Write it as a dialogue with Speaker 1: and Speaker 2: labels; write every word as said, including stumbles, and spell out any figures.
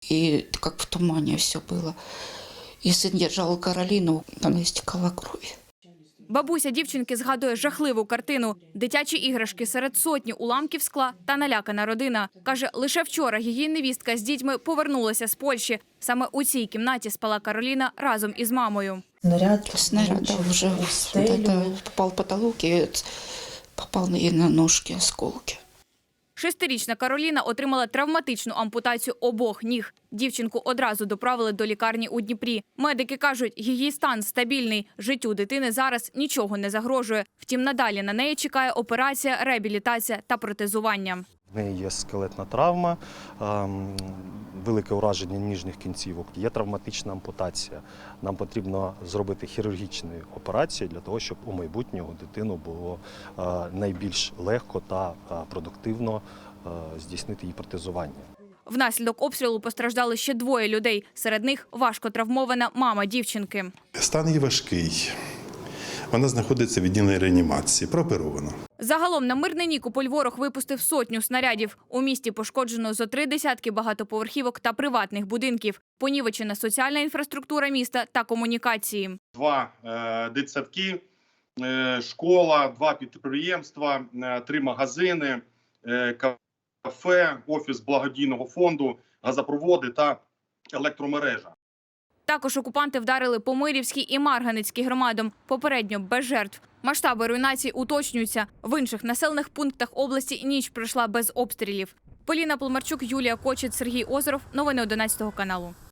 Speaker 1: и как в тумане все было. И сын держал Каролину, она истекала кровью.
Speaker 2: Бабуся дівчинки згадує жахливу картину. Дитячі іграшки серед сотні уламків скла та налякана родина. Каже, лише вчора її невістка з дітьми повернулася з Польщі. Саме у цій кімнаті спала Кароліна разом із мамою.
Speaker 1: Снаряд, снаряд да, уже вот попал в потолок и попал ей на ножки осколки.
Speaker 2: Шестирічна Кароліна отримала травматичну ампутацію обох ніг. Дівчинку одразу доправили до лікарні у Дніпрі. Медики кажуть, її стан стабільний. Життю дитини зараз нічого не загрожує. Втім, надалі на неї чекає операція, реабілітація та протезування.
Speaker 3: В неї є скелетна травма, велике ураження ніжних кінцівок, є травматична ампутація. Нам потрібно зробити хірургічну операцію для того, щоб у майбутнього дитину було найбільш легко та продуктивно здійснити її протезування.
Speaker 2: Внаслідок обстрілу постраждали ще двоє людей. Серед них важко травмована мама дівчинки.
Speaker 4: Стан її важкий. Вона знаходиться в відділенні реанімації, прооперована.
Speaker 2: Загалом на Мирний Нікополь ворог випустив сотню снарядів. У місті пошкоджено зо три десятки багатоповерхівок та приватних будинків. Понівечена соціальна інфраструктура міста та комунікації.
Speaker 5: Два е, дитсадки, е, школа, два підприємства, е, три магазини, е, кафе, офіс благодійного фонду, газопроводи та електромережа.
Speaker 2: Також окупанти вдарили по Мирівській і Марганецькій громадам. Попередньо без жертв. Масштаби руйнацій уточнюються. В інших населених пунктах області ніч пройшла без обстрілів. Поліна Полмарчук, Юлія Кочет, Сергій Озеров. Новини одинадцятого каналу.